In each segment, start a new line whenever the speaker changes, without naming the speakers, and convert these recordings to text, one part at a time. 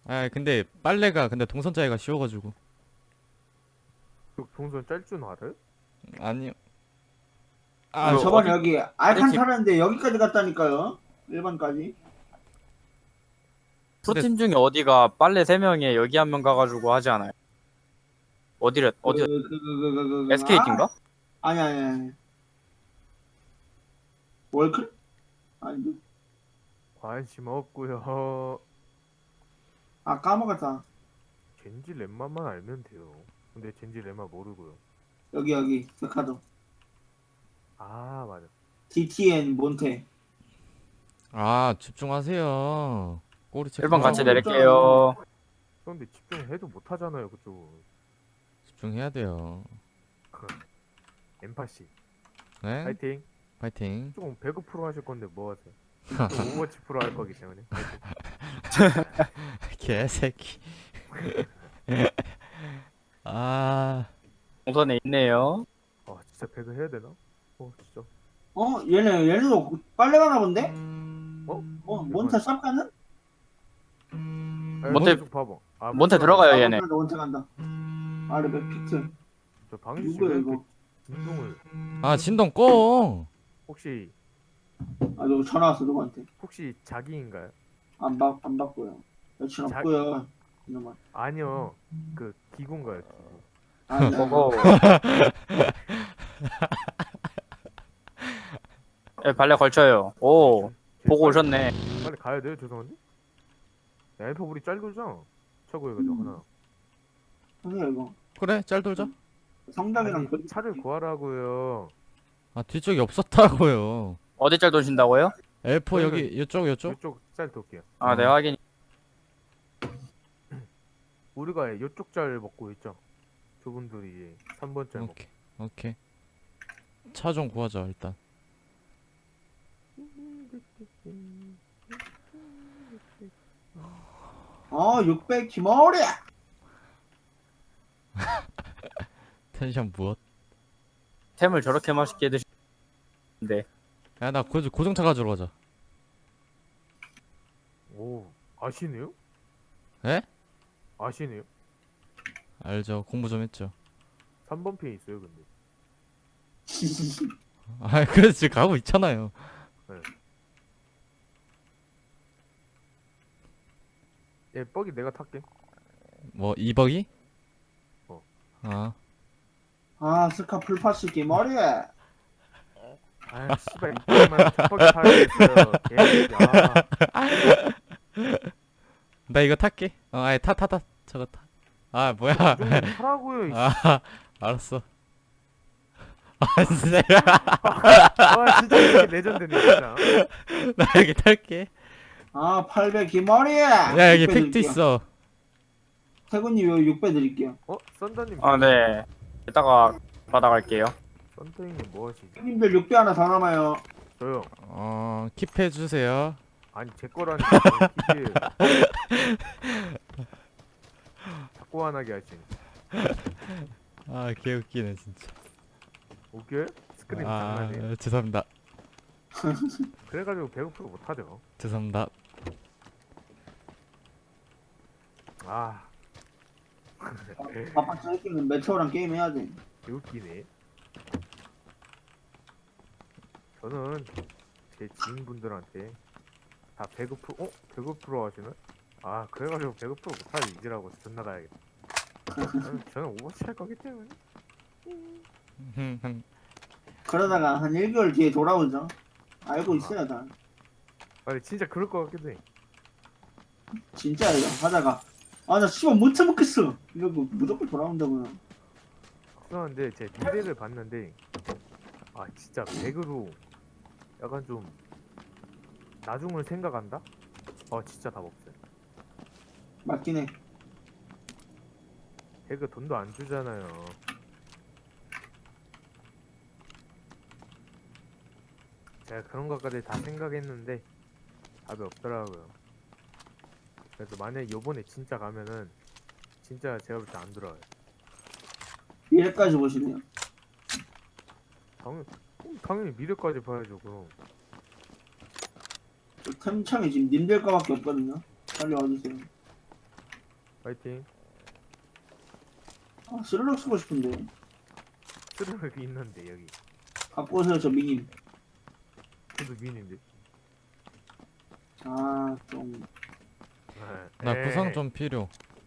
아 근데 빨래가 근데 동선 짜기가 쉬워가지고.
그 동선 짤 줄 알아요?
아니요.
아,
아,
그 저번에
어디
여기
어디
알칸
팀
타는데 여기까지 갔다니까요. 1번까지.
근데
프로팀 중에 어디가 빨래 3명에 여기 한 명 가가지고 하지 않아요? 어디 SK팀인가?
아니, 아니, 아니. 월클? 아니,
관심 없고요.
아, 까먹었다.
젠지 lem마만 알면 돼요. 근데 젠지 lem마 모르고요.
여기, 백화점.
아 맞아.
DTN 몬테.
아 집중하세요. 꼬리 체크.
1번 같이
어,
내릴게요.
그런데 집중해도 못하잖아요 그쪽은.
집중해야 돼요.
엠파시.
네?
파이팅.
파이팅.
조금 배그 프로 하실 건데 뭐 하세요? 좀 오버워치 프로 할 거기 때문에. 파이팅.
개새끼. 아,
동선에 있네요.
아 진짜 배그 해야 되나? 진짜.
얘네도 빨래 가나 본데? 몬테
대박.
쌉 가는?
몬테-
쭉 봐봐.
몬테 들어가요
아,
얘네.
몬테 간다. 아래 백피트.
저 방시 씨
누구야,
왜 이렇게
이거?
진동을
아 진동 꺼.
혹시
아, 누구 전화 왔어, 누구한테.
자기인가요?
안 받고요. 여친
자-
없고요. 이놈아.
아니요. 그 기구인가요? 기구.
아니,
보고. 예, 발레 걸쳐요. 오, 보고 오셨네.
빨리 가야 돼요. 죄송한데. 야, 엠퍼 우리 짤 돌자. 차고 해가지고 하나.
아니야, 이거.
그래 짤 돌자.
성당이랑
아니, 차를 구하라고요.
아 뒤쪽이 없었다고요.
어디 짤 도신다고요?
L4
저희가-
여기 이쪽.
이쪽 짤 돌게요.
아, 네, 확인.
우리가 이쪽 짤 먹고 있죠. 저분들이 이제 3번 짤 먹고.
오케이. 차 좀 구하자 일단.
600 기머리!
텐션 무엇?
템을 저렇게 맛있게 드시는데.
야나 고정차 가지러 가자.
오, 아시네요?
에?
아시네요?
알죠. 공부 좀 했죠.
3번 피에 있어요, 근데.
아 그래서 지금 가고 있잖아요.
예, 뻑이 내가 탈게.
뭐 2버기?
어.
아
스카 풀파스 기머리!
아, 씨발 이때만 뻑이 타야겠어요. 개새끼야.
나 이거 탈게. 아예 타 저거 타. 아 뭐야?
좀 타라고요. 이
아 알았어. 아 진짜
진짜 이게 레전드네, 진짜.
나 여기 탈게.
800 기머리!
야 여기 팩트 있어.
태군님 요 6배 드릴게요.
썬더님.
아, 네. 이따가 받아갈게요.
썬더님 뭐 하시지?
형님들 6배 하나 더 남아요.
저요.
킵해 주세요.
아니 제 거라니까. 이게 자꾸 화나게 하시니.
아 개웃기네 진짜.
웃겨요? 스크린 장난이에요.
죄송합니다.
그래가지고 배고프고 못하죠.
죄송합니다.
아,
아빠 짧게는 메테오랑 게임 해야 돼.
웃기네. 저는 제 지인분들한테 다 배그 프로 하시나? 아, 그래가지고 배그 프로 못하지 이지라고 존나 가야겠다. 저는 오버워치 할 거기 때문에.
그러다가 한 1개월 뒤에 돌아오죠. 알고 있어요, 다.
아니 진짜 그럴 것 같기도 해.
진짜예요. 하다가. 나 씨발 못 참겠어. 이러고 무조건 돌아온다고요.
죄송한데 제 미래를 봤는데 진짜 배그로 약간 좀 나중을 생각한다? 진짜 답 없어요.
맞긴 해.
배그 돈도 안 주잖아요. 제가 그런 것까지 다 생각했는데 답이 없더라고요. 그래서 만약에 요번에 진짜 가면은 진짜 제가 볼 때 안 들어와요.
미래까지 보시네요.
당연히 미래까지 봐야죠. 그럼
템창이 지금 님들 거밖에 없거든요. 빨리 와주세요.
파이팅.
아, 스르륵 쓰고 싶은데.
스르륵이 있는데 여기.
갖고 오세요, 저 미님.
저도 미인인데.
아, 좀.
나
에이.
구상 좀 필요.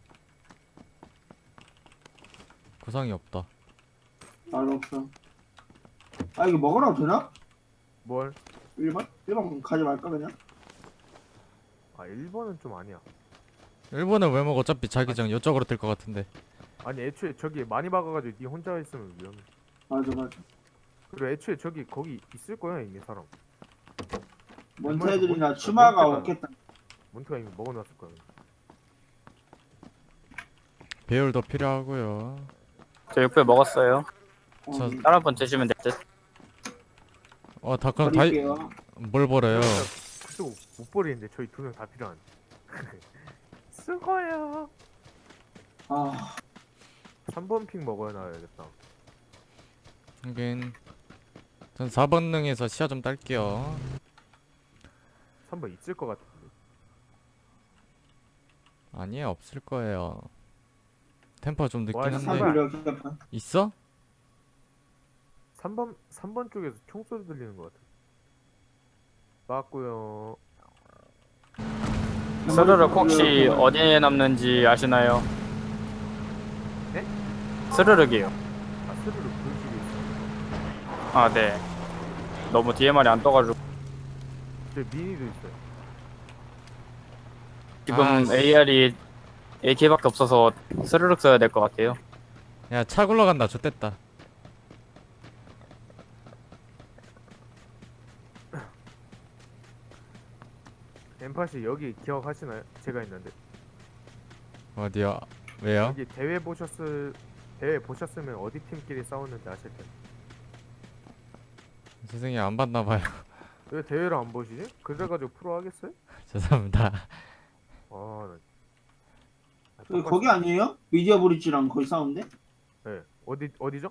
구상이 없다.
말로 없어. 아, 이거 먹으라고 되나?
뭘?
1번? 1번 가지 말까, 그냥?
아 1번은 좀 아니야.
일본은 왜 먹어? 어차피 자기장 이쪽으로 뜰 것 같은데.
아니 애초에 저기 많이 박아가지고 니 혼자 있으면 위험해.
맞아, 맞아.
그리고 애초에 저기 거기 있을 거야 이미 사람.
몬테들이나
몬-
추마가
몬테가-
없겠다.
몬트가 이미 먹어놨을 거야.
배율도 필요하고요.
저 6배 먹었어요.
저-
다른 분 드시면 될 듯.
다 그럼 다이
버릴게요.
뭘 버려요?
그쪽 못 버리는데 저희 2명 다 필요한. 수고해요.
아,
3번 핑 먹어놔야겠다.
하긴 전 4번능에서 시야 좀 딸게요.
3번 있을 것 같은데.
아니에요, 없을 거예요. 템포 좀 늦긴
와,
한데
씨발.
사비려 개판.
있어?
3번 쪽에서 총소리 들리는 것 같아. 맞고요.
스르륵 혹시 어디에 남는지 아시나요?
네?
스르륵이요.
아 스르륵 불길이 있어.
아, 네. 너무 DMR이 안 떠가지고
저 미니도 있어요.
지금
아, 씨.
AR이 AK밖에 없어서 스르륵 써야 될 것 같아요.
야, 차 굴러간다. 좋댔다.
엠파시 여기 기억하시나요? 제가 있는데
어디요? 왜요?
여기 대회 보셨으면 어디 팀끼리 싸웠는지 아실 텐데.
세상에 안 봤나봐요.
왜 대회를 안 보시지? 그래가지고 프로 하겠어요?
죄송합니다.
아,
그 거기 아니에요? 미디어 브릿지랑 거기 싸운데?
네. 어디죠?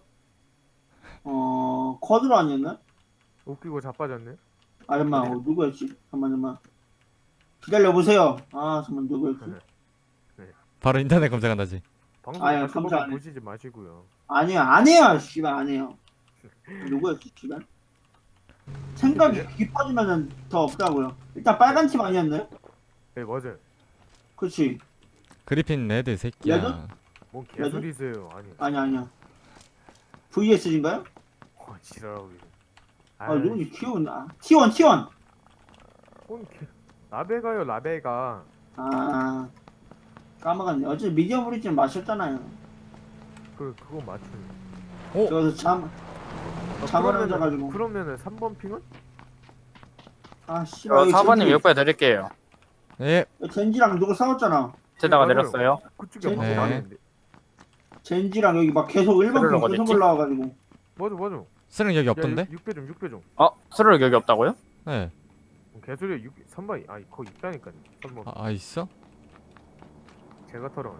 쿼드로 아니었나?
웃기고 자빠졌네.
아, 잠깐만, 누구였지? 잠깐만. 기다려보세요. 아, 잠깐만, 누구였지?
네.
바로 인터넷 검색한다지.
방송
아유,
다시
감사 안
보고
해.
보시지 마시고요.
아니야, 안 해요, 씨발, 안 해요. 누구였지, 씨발? 생각이 깊어지면은 더 없다고요. 일단 빨간 팀 아니었나요?
네 맞아요.
그치?
그리핀 레드 새끼야.
레드?
뭔 개소리세요. 아니.
아니야. VS인가요?
지랄하고 계세요.
아, 누군지 키운, T1.
뭔 개... 라베가요 라베가.
아, 까먹었네. 어차피 미디어 브릿지는 마셨잖아요.
그거 맞추네.
그래서 잠을 안 자가지고.
그러면은 3번 핑은?
아, 씨발.
4번님 6배 드릴게요.
예.
젠지랑 누구 싸웠잖아.
제다가
맞아요.
내렸어요.
그쪽에
네.
방송 안 했는데.
젠지랑 여기 막 계속 1번
스르륵
핑 계속
어딨지?
올라와가지고.
맞아.
쓰는 여기 없던데?
6배 좀.
스르륵 여기 없다고요?
네.
개소리야 3번이 아니 거기 있다니까요. 3번.
있어?
제가 털어가네.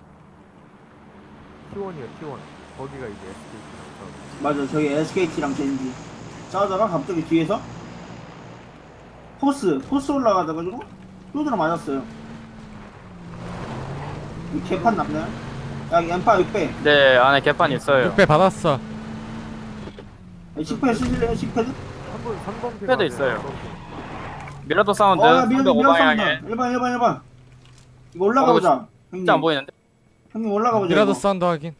T1이야 T1. 거기가 이제 SKT랑 싸우고.
맞아, 저기 SKT랑 젠지 싸우다가 갑자기 뒤에서 포스 올라가다가지고 뚜드러 맞았어요. 이 개판 남나요? 야, 엠파 6배.
네, 안에 개판 있어요.
6배 받았어.
10패드 쓰실래요? 10패드?
3번 핑.
패드 있어요. 미라도 사운드
밀어
305방향에
1번. 이거 올라가보자. 형님.
진짜 안 보이는데?
형님 올라가보자.
미라도
이거.
사운드 확인.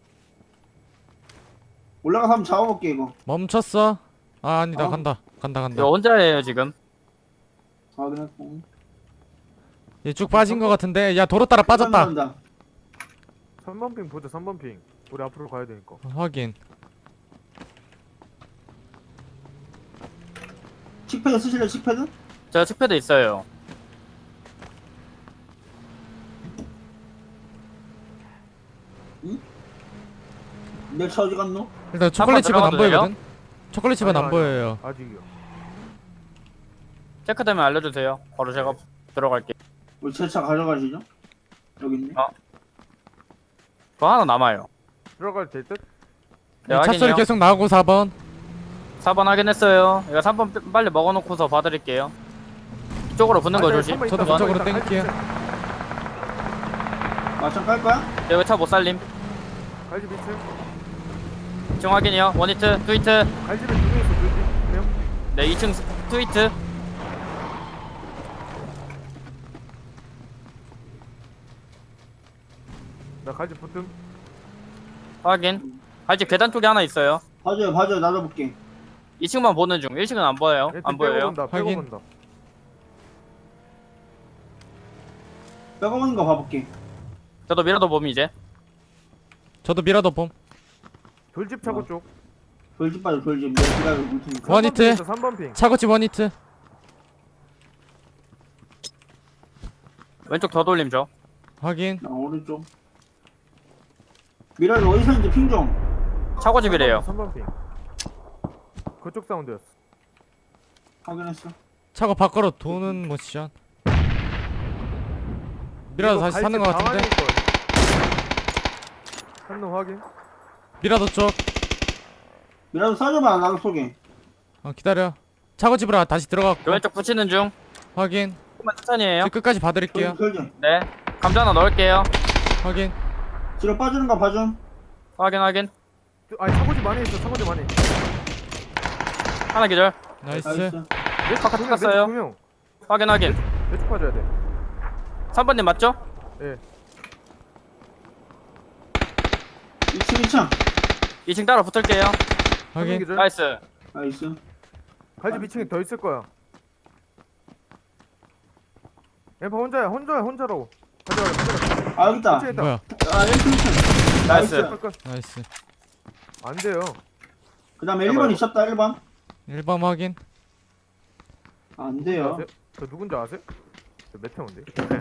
올라가서 한번 잡아볼게, 이거.
멈췄어. 아니다.
어.
간다.
이거 혼자예요 지금.
확인했고.
얘 쭉 빠진 거 같은데. 야, 도로 따라 빠졌다.
3번 핑 보자 3번 핑. 우리 앞으로 가야 되니까.
확인.
10패드 쓰실래요? 10패드?
제가 칙패드 있어요.
내 차 어디 갔노?
일단 초콜릿 집은 안
들어가도 돼요?
보이거든. 초콜릿 집은 안 보여요.
아직이요.
체크되면 알려주세요. 바로 제가 들어갈게요.
우리 제 차 가져가시죠? 여기 있네.
그거 하나 남아요.
들어갈 될 듯?
네,
차 소리
확인이요.
계속 나오고 4번.
4번 확인했어요. 이거 3번 빨리 먹어놓고서 봐드릴게요. 이쪽으로 붙는 거
아니,
조심.
3번
저도
있다,
그쪽으로
3번 있다.
땡길게요.
마찬 깔 거야?
여기 차 못 살림.
갈집 2층.
지금 확인이요. 원히트, 트위트.
갈집에 2명 있어. 2명.
네, 2층 트위트.
나 갈집 붙음.
확인. 아직 계단 쪽에 하나 있어요.
봐줘요. 나도 볼게.
2층만 보는 중. 1층은 안 보여요. 안 보여요.
빼고
확인.
본다.
빼고는 거 봐볼게.
저도 미라도 봄 이제.
저도 미라도 봄.
돌집 차고
어.
쪽.
돌집 빠져 돌집. 내가 기다려 볼 테니까.
원히트.
3번 핑.
차고집 원히트.
왼쪽 더 돌림 줘.
확인.
나 오른쪽. 미라를 어디서 있는지 핑 좀.
차고집이래요.
3번 핑. 그쪽 사운드였어.
확인했어.
차고 밖으로 도는 모션. 미라도 다시 사는 것 같은데.
한놈 확인.
미라도 쪽.
미라도 쏴줘봐. 나도 쏘게.
기다려. 차고집으로 다시 들어갔고.
왼쪽 붙이는 중.
확인.
조금만 천천히 해요.
저 끝까지 봐드릴게요.
돌집.
네. 감자 하나 넣을게요.
확인.
뒤로 빠지는 거 봐줌.
확인.
아니 차고집 안에 있어. 차고집 안에.
하나 기절.
나이스.
나이스.
바깥 갔어요.
2명.
확인.
왼쪽 봐줘야 돼.
3번님 맞죠?
예.
2층.
2층 따라 붙을게요.
확인.
기절.
나이스.
나이스.
갈집 2층에 더 있을 거야. 엠파 혼자라고. 가져가.
아 여기 있다.
2층에 있다.
뭐야?
아 1층.
나이스.
나이스.
안 돼요.
그 다음에 1번 있었다 1번.
1번 확인.
안 돼요.
아세요? 저 누군지 아세요? 저 메테오인데.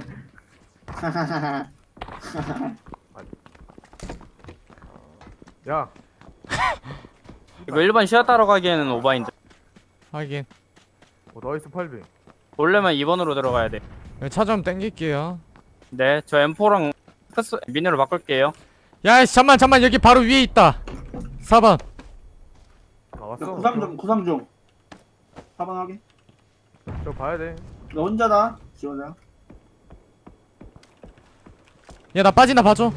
야,
이거 1번 시야 따러 가기에는 오바인데.
확인.
나이스 8배.
올려면 2번으로 들어가야 돼.
차 좀 땡길게요.
네, 저 M4랑 미니로 바꿀게요.
야이씨 잠만 여기 바로 위에 있다. 4번.
아 왔어.
구삼종. 4번 확인.
저 봐야 돼.
너 혼자다. 지원아.
야 나 빠진다 봐줘.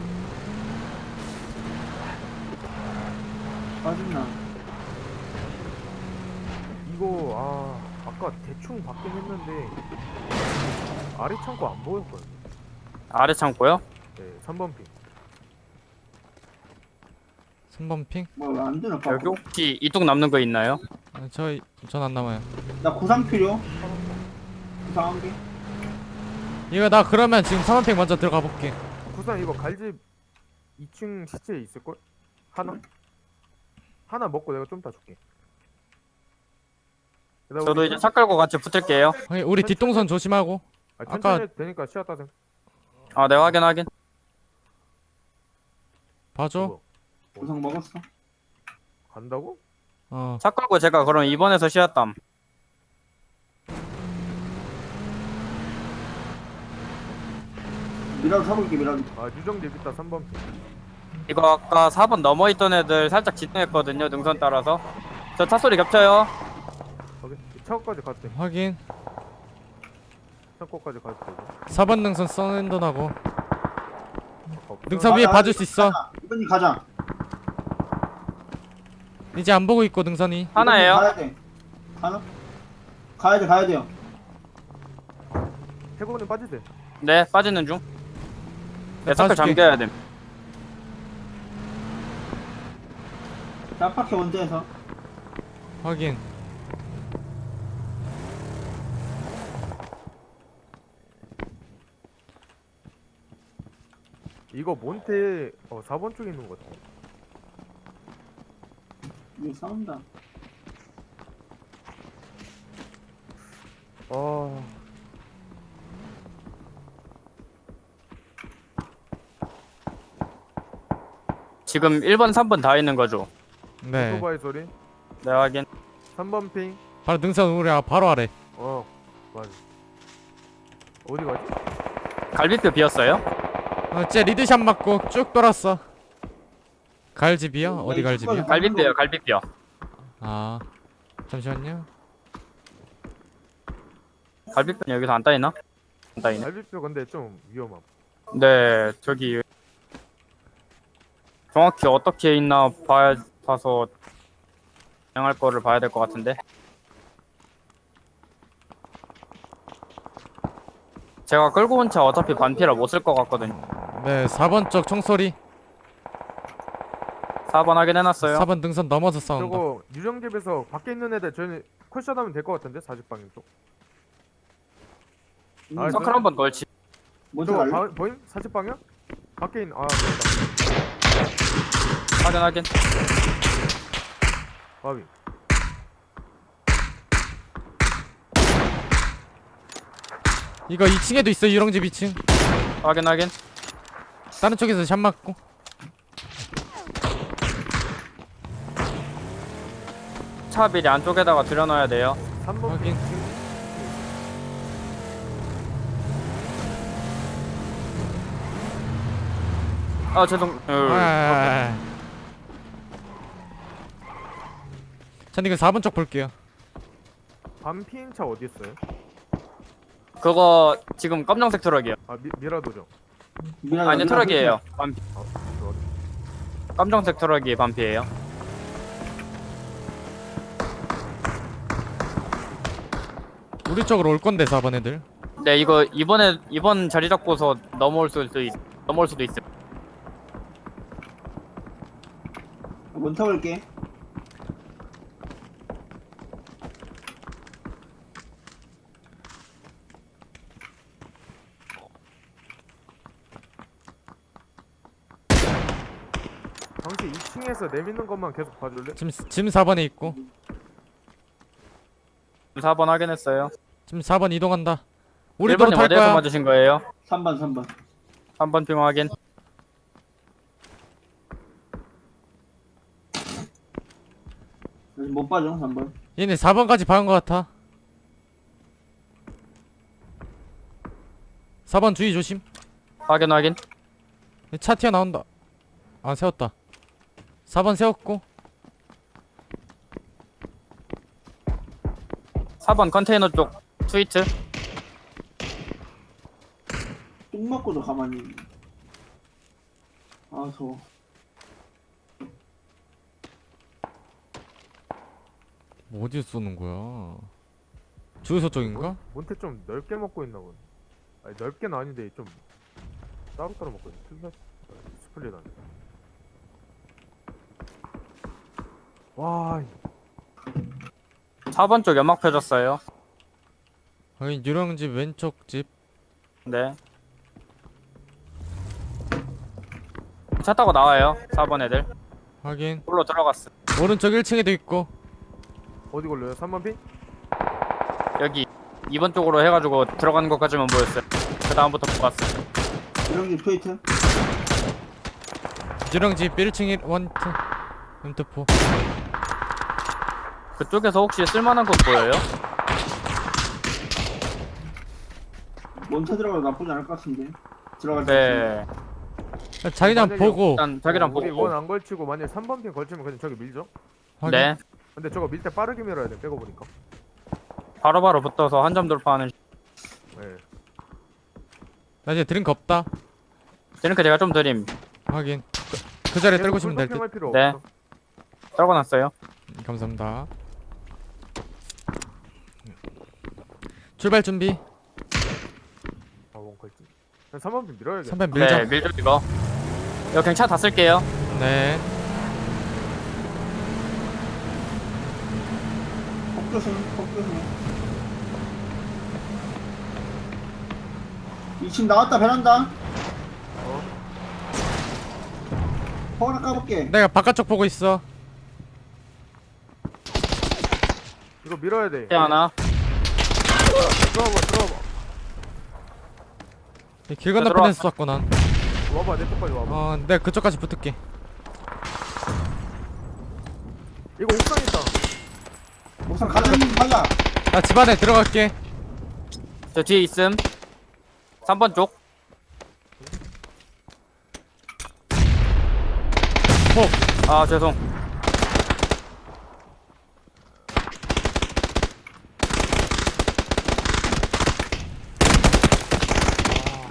빠진다.
이거 아까 대충 받긴 했는데 아래 창고 안 보였거든.
아래 창고요?
네, 3번 핑.
3번 핑.
뭐 안 되나 봐.
여기 혹시 이뚝 남는 거 있나요?
전 안 남아요.
나 구상 필요. 구상 한 개.
이거 나 그러면 지금 3번 핑 먼저 들어가 볼게.
구상 이거 갈집 2층 시체 있을걸? 하나 먹고 내가 좀 이따 줄게. 그다음에
저도
우리
이제 차 끌고 같이 붙을게요.
확인. 우리 뒷동선 조심하고.
천천히
아까-
해도 되니까 시야 따셈.
아, 네, 확인.
봐줘.
뭐,
구상 먹었어.
간다고?
차 끌고 제가 그럼 2번에서 시야 땀.
미라도 사볼게 미라도.
유정집 있다 3번 핑.
이거 아까 4번 넘어있던 애들 살짝 집중했거든요, 능선 따라서. 저 차 소리 겹쳐요.
거기 차고까지 가도 돼.
확인.
창고까지 가도 되고.
4번 능선 썬앤던하고.
없어.
능선 위에 봐줄 수 있어.
이번님 가자.
이제 안 보고 있고 능선이.
하나예요.
가야 돼. 하나? 가야 돼요.
태국은 빠지세요.
네, 빠지는 중. 네, 사클
빠질게.
잠겨야 됨.
짝박해 원대에서.
확인.
이거 몬테 4번 쪽에 있는 것 같아.
이게 싸운다.
지금 1번, 3번 다 있는 거죠.
네.
오토바이 소리.
네, 확인.
3번 핑.
바로 능선 우리 바로 아래.
맞아. 어디 가지?
갈비뼈 비었어요?
쟤 리드샷 맞고 쭉 돌았어. 갈집이요? 어디 갈집이요?
갈비뼈요, 갈비뼈.
아 잠시만요.
갈비뼈는 여기서 안 따이나? 안 따이네.
갈비뼈 근데 좀 위험함.
네, 저기 정확히 어떻게 있나 봐서 진행할 거를 봐야 될 것 같은데. 제가 끌고 온 차 어차피 반피라 못 쓸 것 같거든요.
네 4번 쪽 총소리.
4번 확인해놨어요.
4번 능선 넘어서 싸운다.
저거 유령집에서 밖에 있는 애들 저희는 콜샷하면 될 것 같은데 40방향 쪽. 아,
서클 한번 걸치.
먼저
저거
갈래?
보임? 40방향? 밖에 있는 보인다.
확인.
바위.
이거 2층에도 있어 유령집 2층.
확인.
다른 쪽에서 샷 맞고.
차 미리 안쪽에다가 들여놔야 돼요.
3번
확인.
아 죄송.
전 이거 4번 쪽 볼게요.
반피인 차 어디 있어요?
그거 지금 검정색 트럭이요.
아 미라도죠.
아니 트럭이에요. 반피.
좋아.
검정색 트럭이 반피예요.
우리 쪽으로 올 건데 4번 애들.
네 이거 이번 자리 잡고서 넘어올 수도 있어.
먼저 볼게.
당시 2층에서 내미는 것만 계속 봐줄래?
지금 4번에 있고.
4번 확인했어요.
지금 4번 이동한다. 우리 도로
1번님
탈
어디에서
거야.
맞으신 거예요?
3번.
3번 핑 확인.
못 봐줘 3번.
얘네 4번까지 박은 거 같아. 4번 주의 조심.
확인.
차 튀어나온다. 아 세웠다. 4번 세웠고.
4번 컨테이너 쪽 트위트.
똥 맞고도 가만히 있네. 아 더워.
뭐 어디에 쏘는 거야? 주유소 쪽인가?
몬테 좀 넓게 먹고 있나 보네. 아니 넓게는 아닌데 좀 따로따로 먹고 있네. 스플릿 안에. 와
4번 쪽 연막 펴졌어요.
여기 유령집 왼쪽 집.
네. 차 타고 나와요. 4번 애들.
확인.
홀로 들어갔어.
오른쪽 1층에도 있고.
어디 걸려요? 3번 핑?
여기 2번 쪽으로 해가지고 들어가는 것까지만 보였어요. 그 다음부터 못 봤어.
유령집 트위트.
유령집 1층 1 원트. M4.
그쪽에서 혹시 쓸만한 것 보여요?
먼저 들어가도 나쁘지 않을 것 같은데. 들어갈 때.
네.
자기장
만약에
보고.
일단 자기랑
우리
보고.
원 안 걸치고 만약에 3번 핑 걸치면 그냥 저기 밀죠?
확인.
네.
근데 저거 밀 때 빠르게 밀어야 돼. 빼고 보니까.
바로바로 붙어서 한 점 돌파하는.
네.
나 이제 드링크 없다.
드링크 제가 좀 드림.
확인. 그 자리에 떨고
계속
싶으면 될 듯.
할 필요
네.
없어.
떨궈놨어요.
감사합니다. 출발 준비.
원 걸치. 그냥 3번 핑 밀어야겠다.
3번 밀자.
네, 밀죠 이거. 이거 그냥 차 다 쓸게요.
네.
폭조심. 2층 나왔다 베란다. 허나 까볼게.
내가 바깥쪽 보고 있어.
이거 밀어야 돼.
차 하나.
들어와봐.
길 건너편에서 쐈고 난.
와봐 내 쪽까지 와봐.
내가 그쪽까지 붙을게.
이거 옥상 있다.
옥상 가자. 가자.
나 집 안에 들어갈게.
저 뒤에 있음. 3번 쪽. 아 죄송.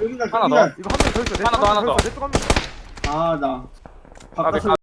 여기가
하나
여기가
이거 한 명 더 있어.
하나 더, 하나 더.
내쪽 한 명.
아나
까비,
바깥으로